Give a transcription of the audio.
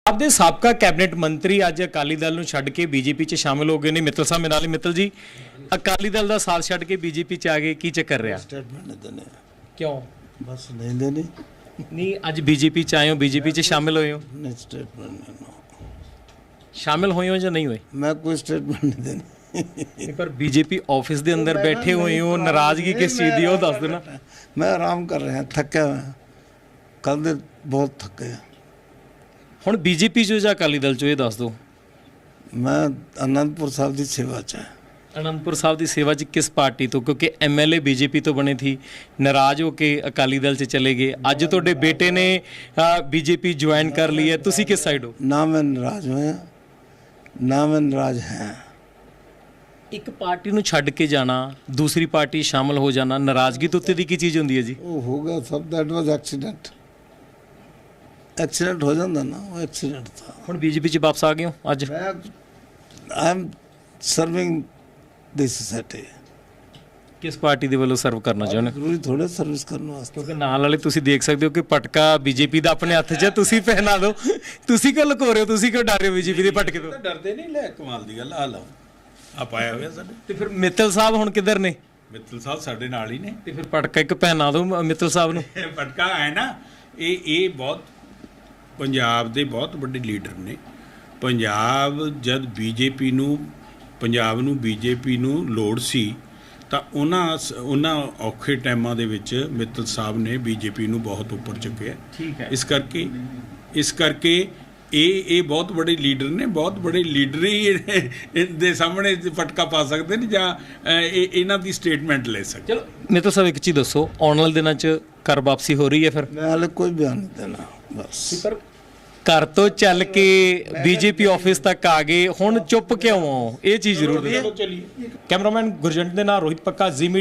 आपके साबका कैबिनेट मंत्री अज अकाली दल नूं छड्ड के बीजेपी च शामिल हो गए ने। मित्तल साहब मेरे नाल मित्तल जी, अकाली दल का साथ छड्ड के बीजेपी च आ गए, की चक्कर रहा? स्टेटमेंट नहीं देने, क्यों बस नहीं देनी, नहीं? अज बीजेपी च आए हो, बीजेपी च शामिल हुए हो, नहीं स्टेटमेंट नहीं नो। शामिल हुए हो या नहीं हुए? मैं कोई स्टेटमेंट नहीं देनी। नहीं, पर बीजेपी ऑफिस के अंदर बैठे हुए हो, नाराजगी किस चीज़ की, वो दस दो ना। मैं आराम कर रहे हैं, थके हुए हैं, कल दे बहुत थके हैं। हुण बीजेपी चो या अकाली दल चो, ये दस दो। मैं आनंदपुर साहब की सेवा च है। आनंदपुर साहब की सेवा च किस पार्टी तो? क्योंकि MLA बीजेपी तो बने थी, नाराज होके अकाली दल से चले गए। अज तुहाडे बेटे ने बीजेपी ज्वाइन कर ली है, तुसी किस साइड हो? ना मैं नाराज हुए, ना मैं नाराज हैं। एक पार्टी नूं छड्ड के जाना, दूसरी पार्टी शामिल हो जाना, नाराजगी तो उत्ते दी की चीज़ होंदी है जी? वो हो गया सब, दैट वाज एक्सीडेंट। एक्सीडेंट हो जाता ना, वो एक्सीडेंट था। हुण बीजेपी च वापस आ गए हो अज? I am serving this society. किस पार्टी दे वल्लों सर्व करना चाहुंदे? जरूरी थोड़े सर्विस करने वास्ते। क्योंकि नाल वाले तुसीं देख सकते हो कि पटका बीजेपी दा अपने हत्थ 'च है, तुसीं पहना दो। तुसीं क्यों लुको रहे हो? तुसीं क्यों डर रहे हो बीजेपी दे पटके तो? डरते नहीं, ले कमाल ਦੀ ਗੱਲ ਆ ਲਓ ਆ ਪਾਇਆ ਹੋਇਆ ਸਾਡੇ ਤੇ ਫਿਰ ਮਿੱਤਲ ਸਾਹਿਬ ਹੁਣ ਕਿੱਧਰ ਨੇ? ਮਿੱਤਲ ਸਾਹਿਬ ਸਾਡੇ ਨਾਲ ਹੀ ਨੇ। ਤੇ ਫਿਰ ਪਟਕਾ ਇੱਕ ਪਹਿਨਾ ਦਿਓ ਮਿੱਤਲ ਸਾਹਿਬ ਨੂੰ। ਪਟਕਾ ਹੈ ਨਾ, ਇਹ ਬਹੁਤ ਪੰਜਾਬ ਦੇ ਬਹੁਤ ਵੱਡੇ ਲੀਡਰ ਨੇ। ਪੰਜਾਬ ਜਦ ਬੀਜੇਪੀ ਨੂੰ ਬੀਜੇਪੀ ਨੂੰ ਲੋੜ ਸੀ ਤਾਂ ਉਹਨਾਂ ਔਖੇ ਟਾਈਮਾਂ ਦੇ ਵਿੱਚ ਮਿੱਤਲ ਸਾਹਿਬ ਨੇ ਬੀਜੇਪੀ ਨੂੰ ਬਹੁਤ ਉੱਪਰ ਚੁੱਕਿਆ। ਠੀਕ ਹੈ। ਇਸ ਕਰਕੇ ਇਹ ਬਹੁਤ ਬੜੇ ਲੀਡਰ ਨੇ। ਬਹੁਤ ਬੜੇ ਲੀਡਰ ਹੀ ਦੇ ਸਾਹਮਣੇ ਪਟਕਾ ਪਾ ਸਕਦੇ ਨੇ ਜਾਂ ਇਹਨਾਂ ਦੀ ਸਟੇਟਮੈਂਟ ਲੈ ਸਕਦੇ। ਚਲੋ ਮਿੱਤਲ ਸਾਹਿਬ ਇੱਕ ਚੀਜ਼ ਦੱਸੋ, ਆਉਣ ਵਾਲੇ ਦਿਨਾਂ 'ਚ ਘਰ ਵਾਪਸੀ ਹੋ ਰਹੀ ਹੈ ਫਿਰ? मैं हाले कोई बयान नहीं देना, बस। ਪਰ ਘਰ ਤੋਂ ਚੱਲ ਕੇ ਬੀਜੇਪੀ ਆਫਿਸ ਤੱਕ ਆ ਗਏ, ਹੁਣ ਚੁੱਪ ਕਿਉਂ ਹੋ? ਇਹ ਚੀਜ਼ ਜ਼ਰੂਰ ਦੱਸੋ। ਕੈਮਰਾਮੈਨ ਗੁਰਜੰਟ ਦੇ ਨਾਲ ਰੋਹਿਤ ਪੱਕਾ, ਜ਼ੀ